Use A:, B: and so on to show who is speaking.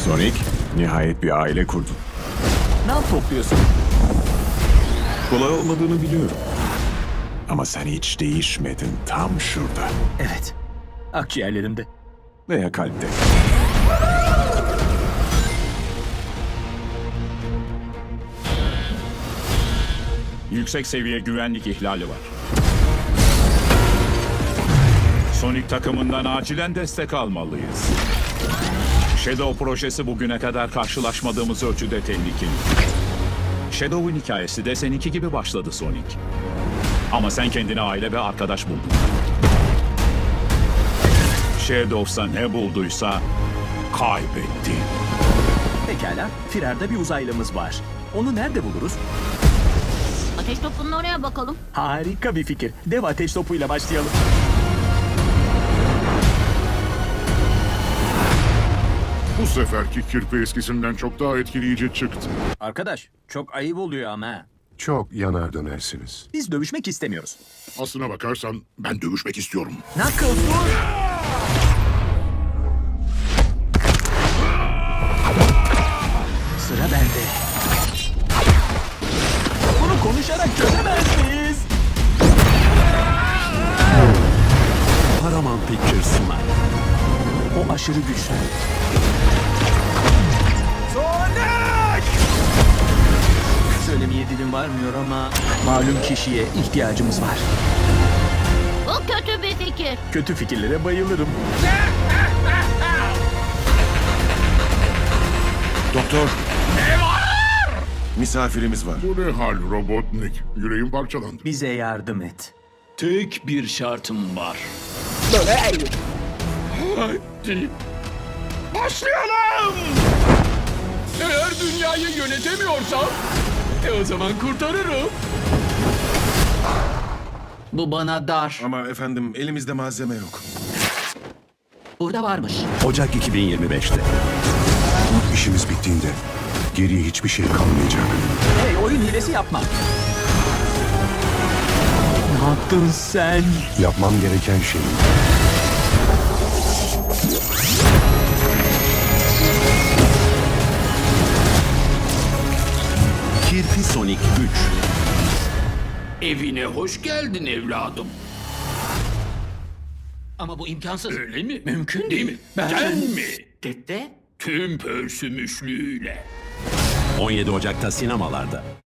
A: Sonic, nihayet bir aile kurdun.
B: Ne topluyorsun?
A: Kolay olmadığını biliyorum. Ama sen hiç değişmedin, tam şurada.
B: Evet. Akciğerlerimde.
A: Veya kalpte.
C: Yüksek seviye güvenlik ihlali var. Sonic takımından acilen destek almalıyız. Shadow projesi bugüne kadar karşılaşmadığımız ölçüde tehlikeli. Shadow'un hikayesi de seninki gibi başladı Sonic. Ama sen kendine aile ve arkadaş buldun. Shadow'sa ne bulduysa kaybetti.
B: Pekala. Firarda bir uzaylımız var. Onu nerede buluruz?
D: Ateş topunun oraya bakalım.
B: Harika bir fikir. Dev ateş topuyla başlayalım.
E: Bu seferki kirpi eskisinden çok daha etkileyici çıktı.
B: Arkadaş, çok ayıp oluyor ama.
F: Çok yanar dönersiniz.
B: Biz dövüşmek istemiyoruz.
E: Aslına bakarsan ben dövüşmek istiyorum.
B: Knuckles dur! Sıra bende. Bunu konuşarak çözemez miyiz?
A: Paramount Pictures sunar.
B: O aşırı güçlü. Sonic! Söylemeye dilim varmıyor ama malum kişiye ihtiyacımız var.
D: Bu kötü bir fikir.
B: Kötü fikirlere bayılırım.
F: Doktor. Misafirimiz var.
E: Bu ne hal Robotnik? Yüreğim parçalandı.
B: Bize yardım et.
G: Tek bir şartım var. Hadi. Başlayalım! Eğer dünyayı yönetemiyorsam, o zaman kurtarırım. Bu bana dar.
F: Ama efendim elimizde malzeme yok.
G: Burada varmış.
A: Ocak 2025'te.
F: İşimiz bittiğinde geriye hiçbir şey kalmayacak.
B: Hey, oyun hilesi yapma. Ne yaptın sen?
F: Yapmam gereken şey
A: Kirpi Sonic 3.
G: Evine hoş geldin evladım. Ama bu imkansız. Öyle mi? Mümkün değil mi? Ben mi? Dede? Tüm pörsümüşlüğüyle.
A: 17 Ocak'ta sinemalarda.